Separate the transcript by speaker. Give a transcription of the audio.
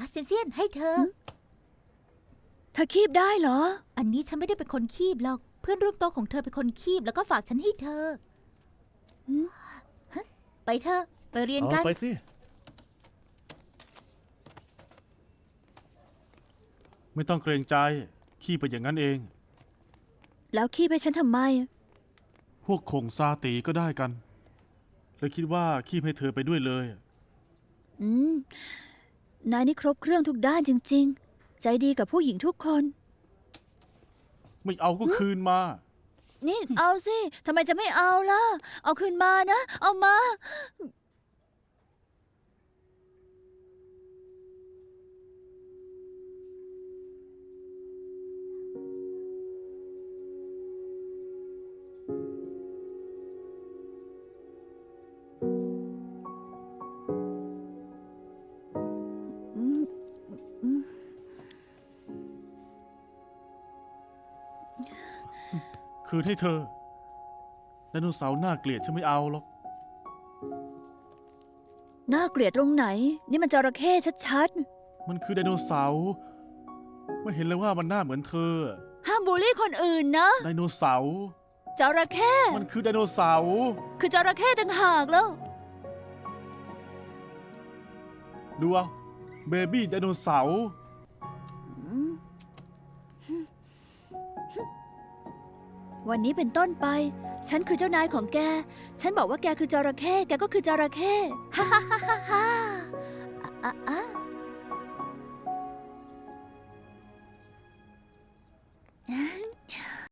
Speaker 1: เซนเซียนให้เธอ
Speaker 2: เธอคีบได้เหรอ
Speaker 1: อันนี้ฉันไม่ได้เป็นคนคีบหรอก เพื่อนร่วมโต๊ะของเธอเป็นคนคีบแล้วก็ฝากฉันให้เธอ
Speaker 2: หืม
Speaker 1: ฮะไปเธอะไปเรียน
Speaker 3: เอา
Speaker 1: กัน
Speaker 3: ไปสิ ไม่ต้องเกรงใจ ขี้ไปอย่างนั้นเอง
Speaker 2: แล้วคีบให้ฉันทำไม
Speaker 3: พวกคงซาตีก็ได้กัน เลยคิดว่าขี้ให้เธอไปด้วยเลย
Speaker 2: อืม นายนี่ครบเครื่องทุกด้านจริงๆ ใจดีกับผู้หญิงทุกคน
Speaker 3: ไม่เอาก็คืนมา
Speaker 2: นี่เอาสิ ทำไมจะไม่เอาล่ะ เอาคืนมานะ เอามา อืมอืม
Speaker 3: คืนให้เธอไดโนเสาร์น่าเกลียดฉันไม่เอาหรอก
Speaker 2: น่าเกลียดตรงไหน นี่มันจระเข้ชัด
Speaker 3: มันคือไดโนเสาร์ไม่เห็นเลยว่ามันหน้าเหมือนเธอ
Speaker 2: ๆ ห้ามบูลลี่คนอื่นนะ
Speaker 3: ไดโนเสาร์
Speaker 2: จระเข้
Speaker 3: มันคือไดโนเสาร์
Speaker 2: คือจระเข้ต่างหากแล้ว
Speaker 3: ดูเอาเบบี้ไดโนเสาร์
Speaker 2: วันนี้เป็นต้นไป ฉันคือเจ้านายของแก ฉันบอกว่าแกคือจระเข้ แกก็คือจระเข้ฮ่าฮ่าฮ่าฮ่าฮ่าอ่ะอ่ะอ่ะ